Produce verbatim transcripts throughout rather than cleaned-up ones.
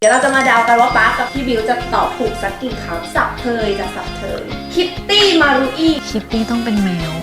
เดี๋ยวเราจะมาเดากันว่าป๊ากับพี่บิวจะตอบถูกสักกี่คำสับเทยจะสับเทยคิตตี้มารุอีคิตตี้ต้องเป็นแมว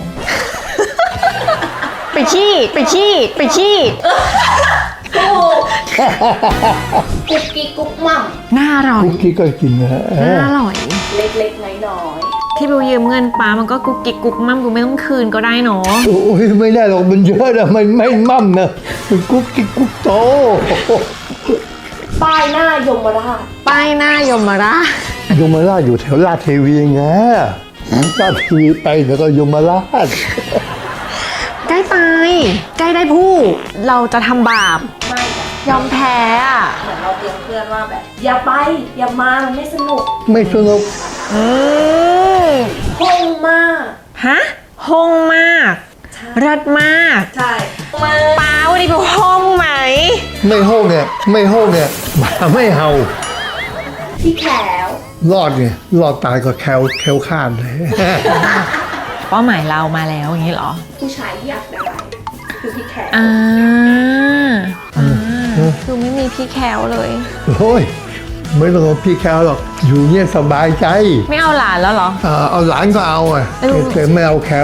ไปขี้ไปขี้ไปขี้ถูกกุ๊กกิ๊กกุ๊กมั่มน่าอร่อยคุกกี้ก็กินนะเอน่าออร่อยเล็กๆน้อยที่บิวยืมเงินป้ามันก็กุ๊กกิ๊กกุ๊กมั่มกูไม่ต้องคืนก็ได้เนาะโอ้ยไม่ได้หรอกมันเยอะนะมันไม่มั่มนะมันกุ๊กกิ๊กกุ๊กโตๆป้ายหน้ายมราชป้ายหน้ายมราชยมราชอยู่แถวลาดเทวีไงลาดเทวีไปแล้วก็ยมราชใกล้ไปใกล้ได้ผู้เราจะทำบาปไม่จ้ะยอมแพ้อะเหมือนเราเตือนเพื่อนว่าแบบอย่าไปอย่ามามันไม่สนุกไม่สนุกอืมคงมากฮะห้องมากเลิศมากใช่มาป้าวันนี้บิวห้องไหมไม่โฮกเนี่ยไม่โฮกเนี่ยหมาไม่เห่าพี่แขวรอดไงรอดตายก็แคลแคลข้านเลยเป้าหมายเรามาแล้วอย่างนี้เหรอผู้ชายที่อยากได้คือพี่แขวอ่าอ่าคือไม่มีพี่แคลเลยโอ้ยไม่ต้องเอาพี่แคลหรอกอยู่เนี่ยสบายใจไม่เอาหลานแล้วเหรออ่าเอาหลานก็เอาอ่ะเออแต่ไม่เอาแคล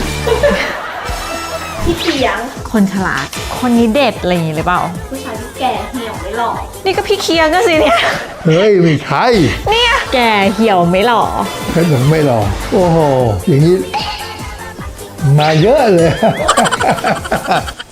พี่เถียงคนฉลาด คนนี้เด็ดอะไรอย่างนี้หรือเปล่าผู้ชายที่แก่เหี่ยวไม่หล่อนี่ก็พี่เคียงก็สิเนี่ยเฮ้ยไม่ใช่เนี่ยแก่เหี่ยวไม่หล่อแค่ผมไม่หรอกโอ้โหอย่างนี้มาเยอะเลย